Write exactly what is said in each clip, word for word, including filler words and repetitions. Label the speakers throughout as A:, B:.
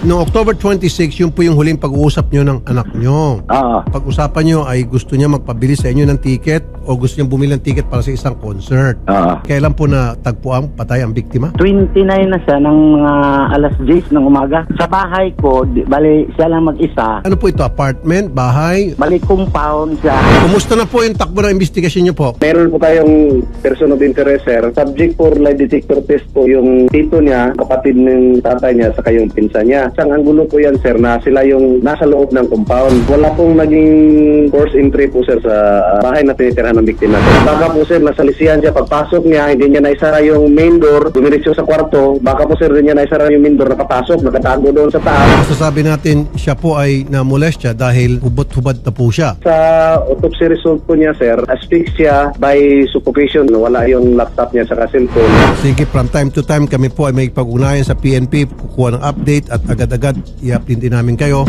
A: No October twenty-six, yun po yung huling pag-uusap nyo ng anak nyo.
B: Oo.
A: Pag-usapan nyo ay gusto niya magpabili sa inyo ng ticket o gusto niya bumili ng ticket para sa isang concert.
B: Oo.
A: Kailan po na tagpuang patay ang biktima?
B: twenty-nine na siya ng mga alas diyes ng umaga. Sa bahay ko, di, bali siya lang mag-isa.
A: Ano po ito? Apartment? Bahay?
B: Bali compound siya.
A: Kumusta na po yung takbo ng investigasyon nyo po?
C: Meron po tayong person of interest, sir. Subject for lie detector test po yung tito niya, kapatid ng tatay niya, saka yung pinsan niya. Isang anggulo po yan, sir, na sila yung nasa loob ng compound. Wala pong naging force entry po, sir, sa bahay na tinitirhan ng biktima. Baka po, sir, nasalisihan siya. Pagpasok niya, hindi niya naisara yung main door, dumiretso sa kwarto. Baka po, sir, hindi niya naisara yung main door, nakapasok, nakatago doon sa taas.
A: Masasabi natin siya po ay namolestya dahil hubot-hubad na po siya.
C: Sa autopsy result po niya, sir, asphyxia by suffocation. Wala yung laptop niya sa cellphone.
A: Sige, from time to time kami po ay may pag-ugnayan sa P N P, kukuha ng update at agad-agad i-update din namin kayo.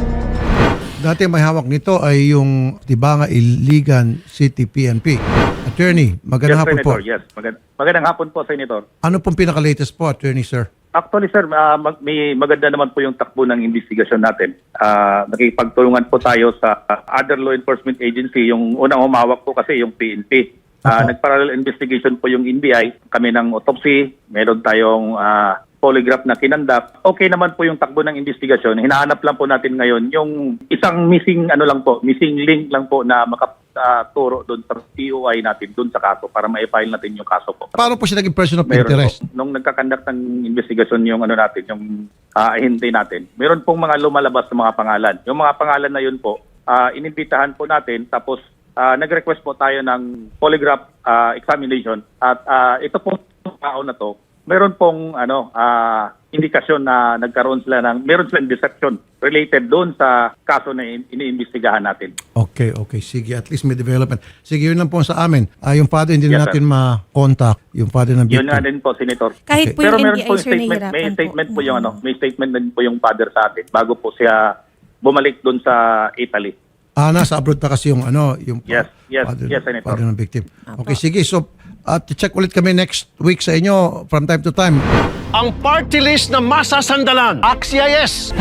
A: Dati may hawak nito ay yung Tibanga Iligan City P N P. Attorney, magandang
D: Yes,
A: hapon po.
D: Senator. Yes, magand- magandang hapon po, Senator.
A: Ano pong pinaka-latest po, Attorney, sir?
D: Actually, sir, ah, mag- may maganda naman po yung takbo ng investigasyon natin. Uh, nakipagtulungan po tayo sa ah, other law enforcement agency. Yung unang humawak po kasi yung P N P. Uh,
A: Opo.
D: Nag-parallel investigation po yung N B I. Kami ng autopsy. Meron tayong ah, polygraph na kinandap. Okay naman po yung takbo ng investigasyon. Hinahanap lang po natin ngayon yung isang missing ano lang po, missing link lang po na makaturo doon sa P O I natin doon sa kaso para ma-file natin yung kaso po.
A: Paano po siya naging person of
D: Meron
A: interest?
D: po, nung nagkakandak ng investigasyon yung ano natin, yung uh, ahente natin, meron pong mga lumalabas na mga pangalan. Yung mga pangalan na yun po, uh, inimbitahan po natin tapos uh, nag-request po tayo ng polygraph uh, examination at uh, ito pong tao na to, meron pong ano uh, indikasyon na nagkaroon sila ng, meron silang deception related doon sa kaso na in- iniimbestigahan natin.
A: Okay, okay. Sige, at least may development. Sige, yun lang po sa amin. Ah, yung father, hindi
D: Yes,
A: na natin ma-contact. Yung father ng
D: Yun nga
A: victim.
D: din po, Senator.
E: Kahit
A: Okay.
E: po
D: Pero
E: yung
D: meron
E: N B I,
D: po
E: sir,
D: statement,
E: nahihirapan
D: may
E: po.
D: statement po, yung
E: na-
D: ano, may statement din po yung father sa atin bago po siya bumalik doon sa Italy.
A: Ah, nasa abroad pa kasi yung ano, yung
D: Yes, yes,
A: father,
D: yes, Senator.
A: father ng victim. Okay, sige. So, at check ulit kami next week sa inyo from time to time.
F: Ang party list na masasandalan. Axia yes!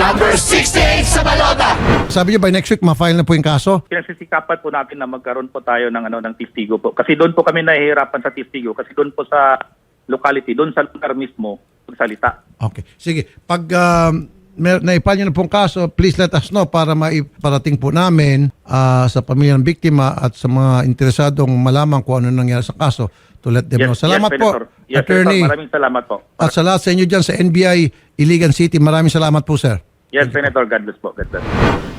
A: Sabi niyo by next week, ma-file na po yung kaso?
D: Pinagsisikapan po natin na magkaroon po tayo ng ano ng testigo po. Kasi doon po kami nahihirapan sa testigo kasi doon po sa locality, doon sa lugar mismo magsalita.
A: Okay. Sige. Pag um, mer- naipal nyo na pong kaso, please let us know para maiparating po namin ah, sa pamilya ng biktima at sa mga interesadong malaman kung ano nangyari sa kaso to let them know. Salamat po,
D: Senator. Yes,
A: Attorney.
D: Senator. Maraming salamat po.
A: At sa lahat sa inyo dyan sa N B I Iligan City, maraming salamat po, sir.
D: Yes, Senator. God bless po. God bless.